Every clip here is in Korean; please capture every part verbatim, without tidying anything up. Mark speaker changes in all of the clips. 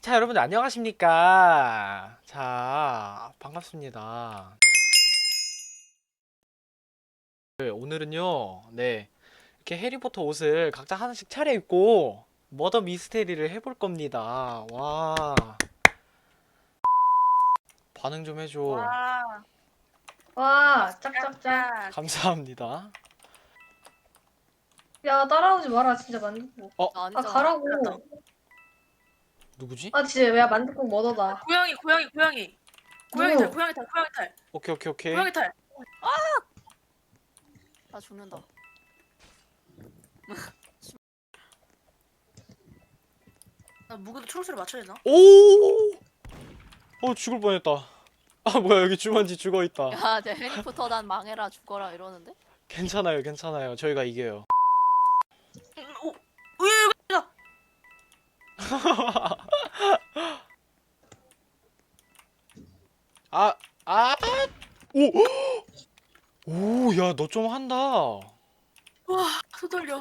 Speaker 1: 자, 여러분 안녕하십니까? 자, 반갑습니다. 네, 오늘은요, 네, 이렇게 해리포터 옷을 각자 하나씩 차려입고 머더 미스테리를 해볼 겁니다. 와, 반응 좀 해줘.
Speaker 2: 와,
Speaker 3: 와, 짝짝짝.
Speaker 2: 짝.
Speaker 1: 감사합니다.
Speaker 3: 야, 따라오지 마라, 진짜 만둣국.
Speaker 1: 어,
Speaker 3: 아,
Speaker 4: 아니잖아.
Speaker 3: 가라고.
Speaker 2: 그렇다.
Speaker 1: 누구지?
Speaker 3: 아, 진짜, 야, 만둣국 머더다.
Speaker 2: 고양이, 고양이, 고양이. 고양이
Speaker 3: 누구?
Speaker 2: 탈, 고양이 탈, 고양이 탈,
Speaker 1: 오케이, 오케이, 오케이.
Speaker 2: 고양이 탈.
Speaker 4: 나 죽는다.
Speaker 2: 나 무게도 초록색으로 맞춰야 되나?
Speaker 1: 오! 어, 죽을 뻔했다. 아, 뭐야, 여기 주만지 죽어있다.
Speaker 4: 야, 내 해리포터 난 망해라 죽어라 이러는데?
Speaker 1: 괜찮아요, 괜찮아요. 저희가 이겨요.
Speaker 2: 음, 오, 으이, 이거.
Speaker 1: 아, 아, 오! 오, 야, 너 좀 한다.
Speaker 2: 와, 손 떨려.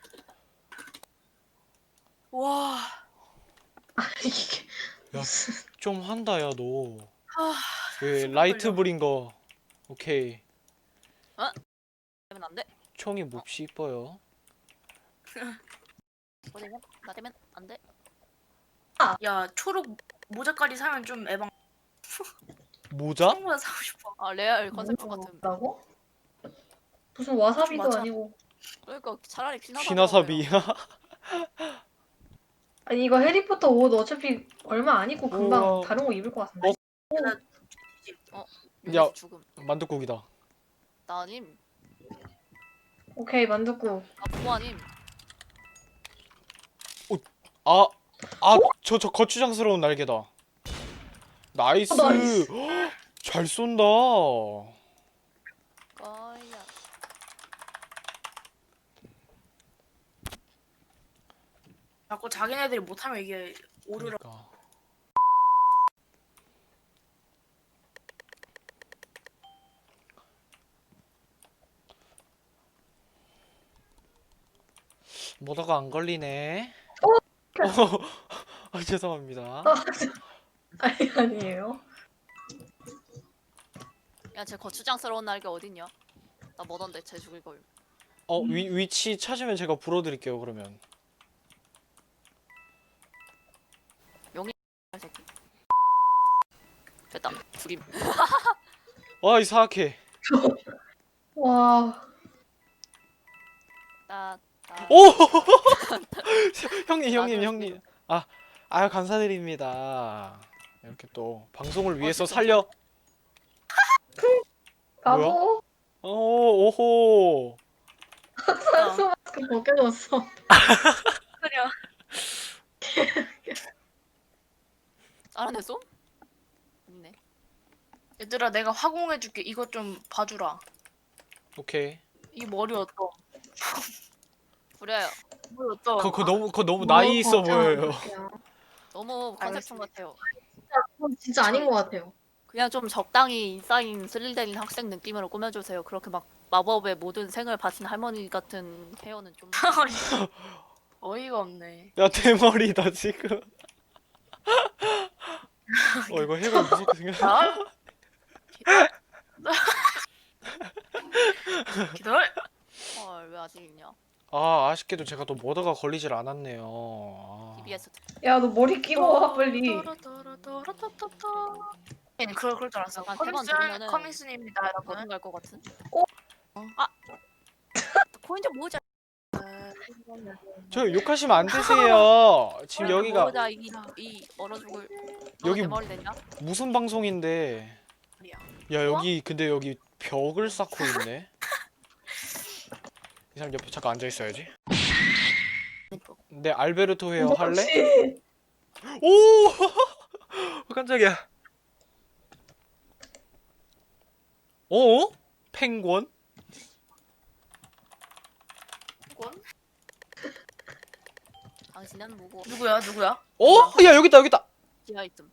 Speaker 2: 와,
Speaker 3: 이게.
Speaker 1: 야, 좀 한다, 야, 너.
Speaker 2: 아,
Speaker 1: 그
Speaker 2: 손
Speaker 1: 라이트
Speaker 2: 떨려.
Speaker 1: 불인 거. 오케이.
Speaker 4: 되면 안 돼.
Speaker 1: 총이 몹시 이뻐요.
Speaker 4: 뭐 되면 나 되면 안 돼.
Speaker 2: 야, 초록 모자까지 사면 좀 에방.
Speaker 1: 모자?
Speaker 2: 청모자 사고 싶어.
Speaker 4: 아 레알 컨셉 같은.
Speaker 3: 뭐라고? 무슨 와사비도
Speaker 2: 맞아.
Speaker 3: 아니고.
Speaker 4: 그러니까 차라리 퀴나사비.
Speaker 1: 퀴나사비.
Speaker 3: 아니, 이거 해리포터 옷 어차피 얼마 안 입고 금방
Speaker 1: 우와.
Speaker 3: 다른 거 입을 것 같은데.
Speaker 1: 야.
Speaker 4: 야 죽음.
Speaker 1: 만둣국이다.
Speaker 4: 나님.
Speaker 3: 오케이, 만둣국.
Speaker 4: 아 부모님.
Speaker 1: 아, 아, 저, 저 거추장스러운 날개다. 나이스.
Speaker 3: 어, 나이스.
Speaker 1: 헉, 잘 쏜다.
Speaker 4: 거야.
Speaker 2: 자꾸 자기네들이 못하면 이게 오류라.
Speaker 1: 그러니까. 뭐다가 안 걸리네. 어, 아, 죄송합니다.
Speaker 3: 아, 아니, 아니에요.
Speaker 4: 야쟤 거추장스러운 날개 어딨냐? 나 뭐던데 쟤 죽일 걸.
Speaker 1: 어, 위, 위치 찾으면 제가 불어드릴게요, 그러면.
Speaker 4: 이 새끼. 됐다. 죽임.
Speaker 1: 와, 이 사악해.
Speaker 3: 와.
Speaker 4: 따. 따.
Speaker 1: 오! 형님, 형님,
Speaker 4: 나도
Speaker 1: 형님. 아, 아유, 감사드립니다. 이렇게 또 방송을 위해서
Speaker 4: 진짜.
Speaker 1: 살려.
Speaker 3: 바보.
Speaker 1: 오, 오호.
Speaker 3: 산소 마스크 벗겨졌어.
Speaker 2: 그래.
Speaker 4: 알아냈어? 있네.
Speaker 2: 얘들아, 내가 화공해줄게. 이것 좀 봐주라.
Speaker 1: 오케이.
Speaker 2: 이 머리 어떠?
Speaker 4: 부려요.
Speaker 2: 머리 어떠?
Speaker 1: 그거, 그거 너무, 그거 너무 나이 있어 보여요.
Speaker 4: 너무 컨셉충
Speaker 2: 알겠습니다.
Speaker 4: 같아요.
Speaker 3: 그건 진짜 아닌 것 같아요.
Speaker 4: 그냥 좀 적당히 인싸인 스릴데린 학생 느낌으로 꾸며주세요. 그렇게 막 마법의 모든 생을 바친 할머니 같은 헤어는 좀.
Speaker 2: 어이가 없네.
Speaker 1: 야, 대머리다, 지금. 어, 이거 해가 무섭게 생겼어.
Speaker 2: 아? 기다려.
Speaker 4: 헐, 왜 아직 있냐?
Speaker 1: 아, 아쉽게도 제가 또 모더가 걸리질 않았네요. 아.
Speaker 4: 티비에스.
Speaker 3: 야, 너 머리 끼고 와, 빨리.
Speaker 2: 얘는 그럴 그럴 줄 알았어.
Speaker 4: 약간
Speaker 2: 커미스
Speaker 4: 세번 들으면은
Speaker 2: 커미스입니다, 여러분.
Speaker 4: 버튼 갈것 같은.
Speaker 3: 어?
Speaker 4: 아, 코인 좀 모으자.
Speaker 1: 저 욕하시면 안 되세요. 지금
Speaker 4: 코인 좀
Speaker 1: 여기가
Speaker 4: 모으자. 이, 이 얼어 죽을. 너
Speaker 1: 여기
Speaker 4: 대머리 됐냐?
Speaker 1: 무슨 방송인데. 야, 여기 근데 여기 벽을 쌓고 있네. 이 사람 옆에 잠깐 앉아 있어야지. 네, 알베르토 헤어 할래?
Speaker 3: 그렇지.
Speaker 1: 오! 깜짝이야. 어? 펭귄?
Speaker 2: 권?
Speaker 4: 당신은 뭐고?
Speaker 2: 누구야, 누구야?
Speaker 1: 어? 야, 여기 있다, 여기 있다.
Speaker 4: 지하 있음.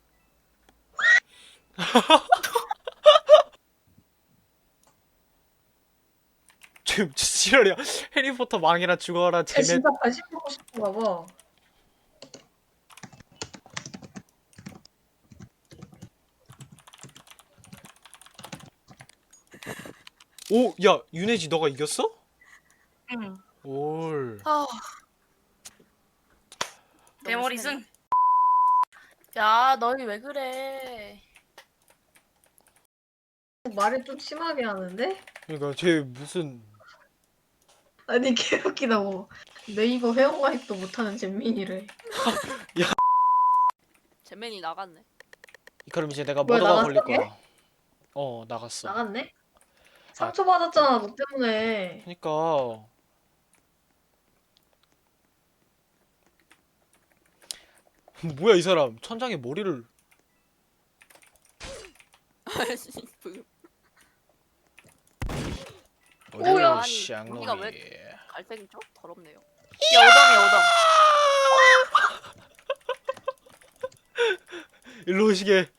Speaker 1: 지금 지랄이야. 해리포터 망이라 죽어라.
Speaker 3: 쟤
Speaker 1: 쟤네.
Speaker 3: 진짜 관심 받고 싶은가 봐.
Speaker 1: 오, 야, 윤혜지 너가 이겼어?
Speaker 2: 응.
Speaker 1: 올.
Speaker 4: 아.
Speaker 2: 대머리
Speaker 4: 너무 심하네.
Speaker 2: 승. 야, 너희 왜 그래?
Speaker 3: 말을 좀 심하게 하는데?
Speaker 1: 그러니까 쟤 무슨
Speaker 3: 아니 개웃기다고. 네이버 회원가입도 못하는 잼민이를.
Speaker 4: 잼맨이 나갔네.
Speaker 1: 그럼 이제 내가
Speaker 3: 뭐야,
Speaker 1: 머더가
Speaker 3: 나갔어,
Speaker 1: 걸릴 거야. 어, 나갔어.
Speaker 3: 나갔네? 상처 받았잖아 너 때문에.
Speaker 1: 그러니까 뭐야 이 사람 천장에 머리를
Speaker 3: 오야.
Speaker 4: 아니,
Speaker 1: 쌍놈이.
Speaker 4: 우리가 왜- 갈색이죠? 더럽네요.
Speaker 2: 야, 오덤이야, 오덤.
Speaker 1: 일로 오시게.